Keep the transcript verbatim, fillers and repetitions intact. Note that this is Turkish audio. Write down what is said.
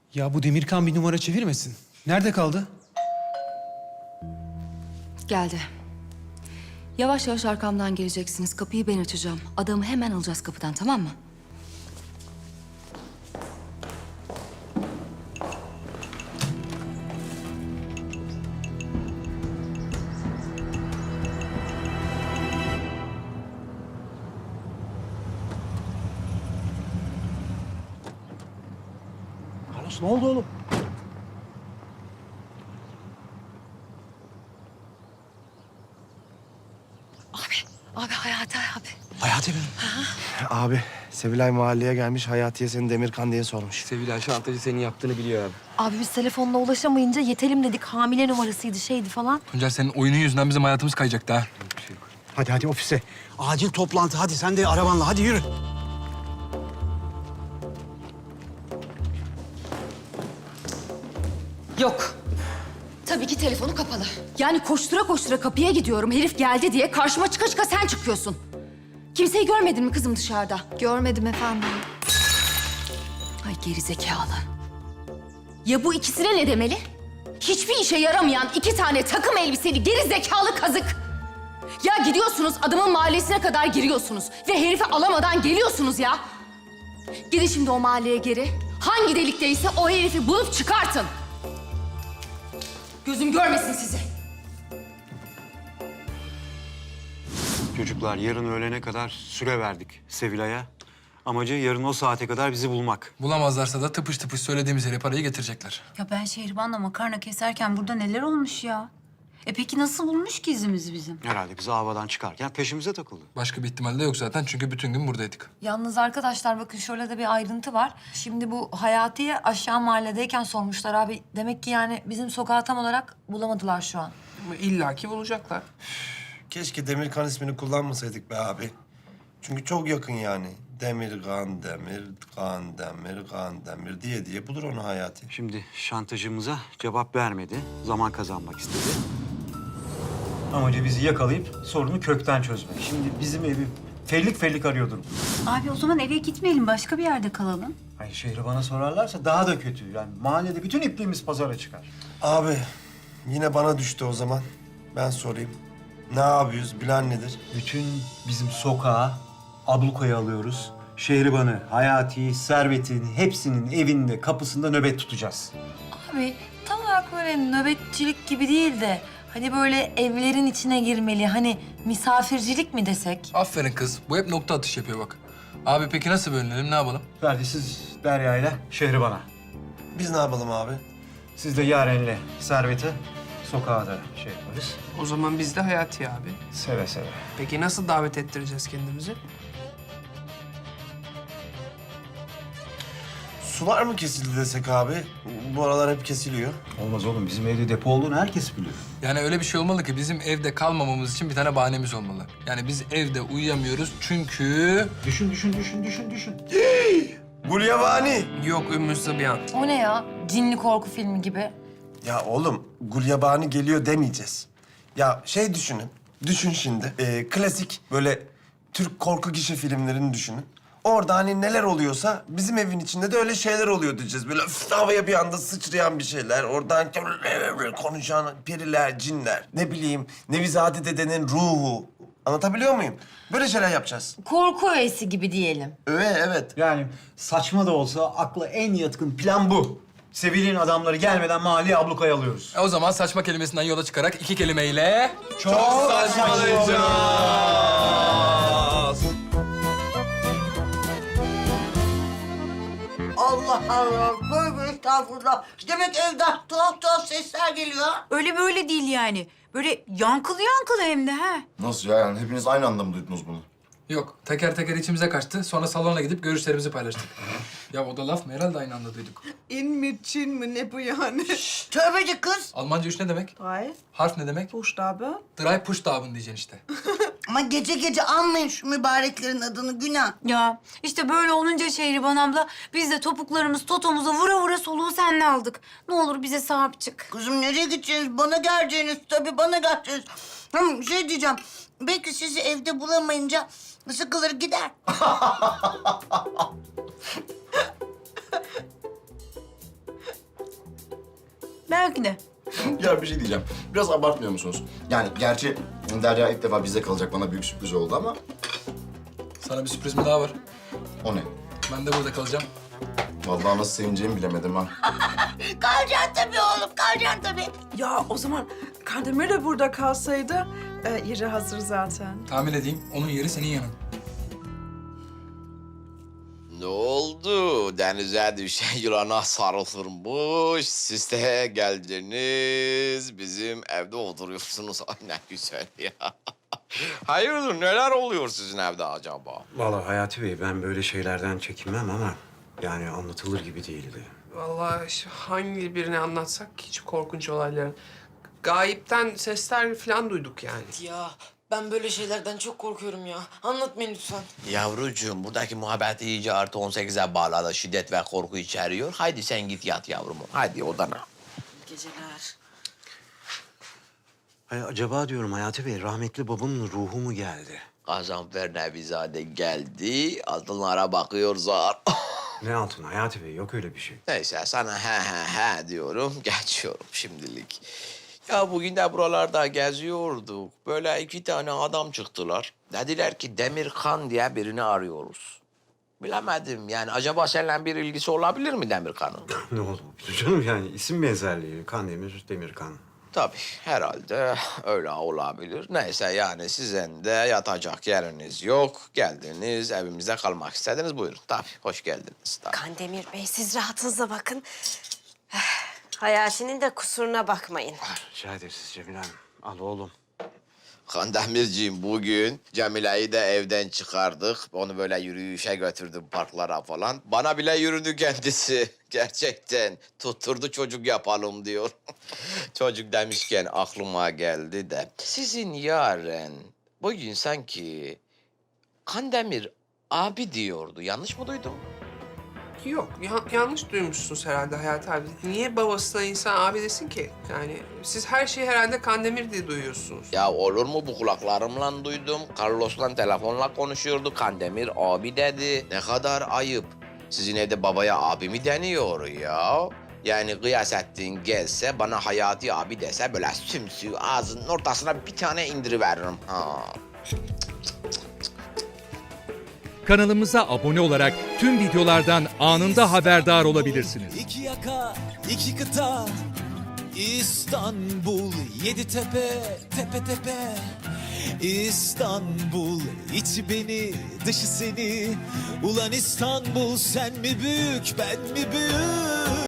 Ya bu Demirkan bir numara çevirmesin. Nerede kaldı? Geldi. Yavaş yavaş arkamdan geleceksiniz. Kapıyı ben açacağım. Adamı hemen alacağız kapıdan, tamam mı? Carlos ne oldu oğlum? Abi, abi Hayati abi. Hayati benim. Abi, Sevilay mahalleye gelmiş, Hayati'ye seni Demirkan diye sormuş. Sevilay şantajı senin yaptığını biliyor abi. Abi biz telefonla ulaşamayınca yetelim dedik. Hamile numarasıydı, şeydi falan. Tuncel senin oyunun yüzünden bizim hayatımız kayacaktı ha. Hadi hadi ofise. Acil toplantı. Hadi sen de arabanla. Hadi yürü. Yok. Tabii ki telefonu kapalı. Yani koştura koştura kapıya gidiyorum. Herif geldi diye karşıma çıka çıka sen çıkıyorsun. Kimseyi görmedin mi kızım dışarıda? Görmedim efendim. Ay gerizekalı. Ya bu ikisine ne demeli? Hiçbir işe yaramayan iki tane takım elbiseli gerizekalı kazık. Ya gidiyorsunuz adamın mahallesine kadar giriyorsunuz ve herifi alamadan geliyorsunuz ya. Gidin şimdi o mahalleye geri. Hangi delikteyse o herifi bulup çıkartın. Gözüm görmesin sizi. Çocuklar yarın öğlene kadar süre verdik Sevilay'a. Amacı yarın o saate kadar bizi bulmak. Bulamazlarsa da tıpış tıpış söylediğimiz yere parayı getirecekler. Ya ben Şehriban'la makarna keserken burada neler olmuş ya? E peki nasıl bulmuş ki izimizi bizim? Herhalde bizi havadan çıkarken peşimize takıldı. Başka bir ihtimal de yok zaten çünkü bütün gün buradaydık. Yalnız arkadaşlar bakın şöyle de bir ayrıntı var. Şimdi bu Hayati'ye aşağı mahalledeyken sormuşlar abi. Demek ki yani bizim sokağı tam olarak bulamadılar şu an. İlla ki bulacaklar. Keşke Demirkan ismini kullanmasaydık be abi. Çünkü çok yakın yani. Demirkan, Demirkan, Demirkan, Demir diye diye bulur onu Hayati. Şimdi şantajımıza cevap vermedi. Zaman kazanmak istedi. Amacı bizi yakalayıp sorunu kökten çözmek. Şimdi bizim evi fellik fellik arıyordur. Abi o zaman eve gitmeyelim, başka bir yerde kalalım. Hayır, şehri bana sorarlarsa daha da kötü. Yani mahallede bütün ipliğimiz pazara çıkar. Abi, yine bana düştü o zaman. Ben sorayım. Ne yapıyoruz, bilen nedir? Bütün bizim sokağı ablukaya alıyoruz. Şehriban'ı, Hayati'yi, Servet'in hepsinin evinde, kapısında nöbet tutacağız. Abi tam olarak böyle nöbetçilik gibi değil de... Hani böyle evlerin içine girmeli, hani misafircilik mi desek? Aferin kız. Bu hep nokta atış yapıyor bak. Abi peki nasıl bölünelim, ne yapalım? Ferdi siz Derya'yla Şehriban'a. Biz ne yapalım abi? Siz de Yaren'le Servet'i sokağa da şey yaparız. O zaman biz de Hayati abi. Seve seve. Peki nasıl davet ettireceğiz kendimizi? Sular mı kesildi desek abi? Bu aralar hep kesiliyor. Olmaz oğlum. Bizim evde depo olduğunu herkes biliyor. Yani öyle bir şey olmalı ki bizim evde kalmamamız için bir tane bahanemiz olmalı. Yani biz evde uyuyamıyoruz çünkü... Düşün, düşün, düşün, düşün, düşün. Gulyabani. Yok Ümmü Sıbyan. O ne ya? Cinli korku filmi gibi. Ya oğlum, Gulyabani geliyor demeyeceğiz. Ya şey düşünün, düşün şimdi. Ee, klasik böyle Türk korku gişe filmlerini düşünün. Orada hani neler oluyorsa bizim evin içinde de öyle şeyler oluyor diyeceğiz. Böyle üf, havaya bir anda sıçrayan bir şeyler. Oradan konuşan periler, cinler. Ne bileyim, Nevizade dedenin ruhu. Anlatabiliyor muyum? Böyle şeyler yapacağız. Korku öğesi gibi diyelim. Evet, evet. Yani saçma da olsa akla en yatkın plan bu. Sevil'in adamları gelmeden mahalleye ablukaya alıyoruz. E o zaman saçma kelimesinden yola çıkarak iki kelimeyle... Çok Allah Allah, böyle estağfurullah. Demek evden tuhaf tuhaf sesler geliyor. Öyle böyle değil yani. Böyle yankılı yankılı hem de ha. Nasıl ya? Yani hepiniz aynı anda mı duydunuz bunu? Yok, teker teker içimize kaçtı. Sonra salona gidip görüşlerimizi paylaştık. Ya o da laf mı? Herhalde aynı anda duyduk. İn mi, Çin mi, ne bu yani? Tövbeci kız. Almanca üç ne demek? Drei Harf ne demek? Buchstabe. Drei Pushtaben diyeceksin işte. Ama gece gece anmayın şu mübareklerin adını, günah. Ya işte böyle olunca Şehriban abla biz de topuklarımız totomuza vura vura soluğu seninle aldık. Ne olur bize sahip çık. Kızım nereye gideceksiniz? Bana geleceğiniz tabii, bana geleceğiniz. Hı, şey diyeceğim, belki sizi evde bulamayınca sıkılır gider. Belki de. Ya bir şey diyeceğim. Biraz abartmıyor musunuz? Yani gerçi Derya ilk defa bizde kalacak. Bana büyük sürpriz oldu ama Sana bir sürprizim daha var. o ne? Ben de burada kalacağım. Vallahi nasıl sevineceğimi bilemedim ha. Kalacaksın tabii oğlum, kalacaksın tabii. Ya o zaman Kandemir de burada kalsaydı e, yeri hazır zaten. Tahmin edeyim, onun yeri senin yanın. Ne oldu? Denize düşen yılana sarılırmış. Siz de geldiniz. Bizim evde oturuyorsunuz. Ay ne güzel ya. Hayırdır, neler oluyor sizin evde acaba? Vallahi Hayati Bey, ben böyle şeylerden çekinmem ama yani anlatılır gibi değildi. Vallahi işte hangi birini anlatsak hiç korkunç olayların. Gayipten sesler falan duyduk yani. Ya ben böyle şeylerden çok korkuyorum ya. Anlatmayın lütfen. Yavrucuğum, buradaki muhabbet iyice artı on sekize bağladı. Şiddet ve korku içeriyor. Haydi sen git yat yavrum. Haydi odana. Geceler. Ay, acaba diyorum Hayati Bey, rahmetli babamın ruhu mu geldi? Gazanfer Nevizade geldi. Altınlara bakıyor zar. Ne altın Hayati Bey, yok öyle bir şey. Neyse sana he he he diyorum. Geçiyorum şimdilik. Ya bugün de buralarda geziyorduk. Böyle iki tane adam çıktılar. Dediler ki Demirkan diye birini arıyoruz. Bilemedim yani acaba seninle bir ilgisi olabilir mi Demirkan'ın? Ne oldu canım, yani isim benzerliği. Kandemir, Demirkan. Tabii herhalde öyle olabilir. Neyse yani sizin de yatacak yeriniz yok. Geldiniz evimizde kalmak istediniz. Buyurun tabii hoş geldiniz. Tabii. Kandemir Bey siz rahatınıza bakın. Hayati'nin de kusuruna bakmayın. Rica ederiz Cemile Hanım. Al oğlum. Kandemirciğim bugün Cemile'yi de evden çıkardık. Onu böyle yürüyüşe götürdüm parklara falan. Bana bile yürüdü kendisi. Gerçekten tutturdu çocuk yapalım diyor. Çocuk demişken aklıma geldi de. Sizin yarın bugün sanki Kandemir abi diyordu. Yanlış mı duydum? Yok, ya- yanlış duymuşsunuz herhalde Hayati abi. Niye babasına insan abi desin ki? Yani siz her şeyi herhalde Kandemir diye duyuyorsunuz. Ya olur mu bu kulaklarımla duydum. Carlos'la telefonla konuşuyordu. Kandemir abi dedi. Ne kadar ayıp. Sizin evde babaya abi mi deniyor ya? Yani Gıyasettin gelse bana Hayati abi dese böyle sümsü ağzının ortasına bir tane indiriveririm. Ha. Kanalımıza abone olarak tüm videolardan anında haberdar olabilirsiniz. İki yaka, iki kıta, İstanbul, yedi tepe, tepe tepe. İstanbul, içi beni, dışı seni. Ulan İstanbul, sen mi büyük, ben mi büyük?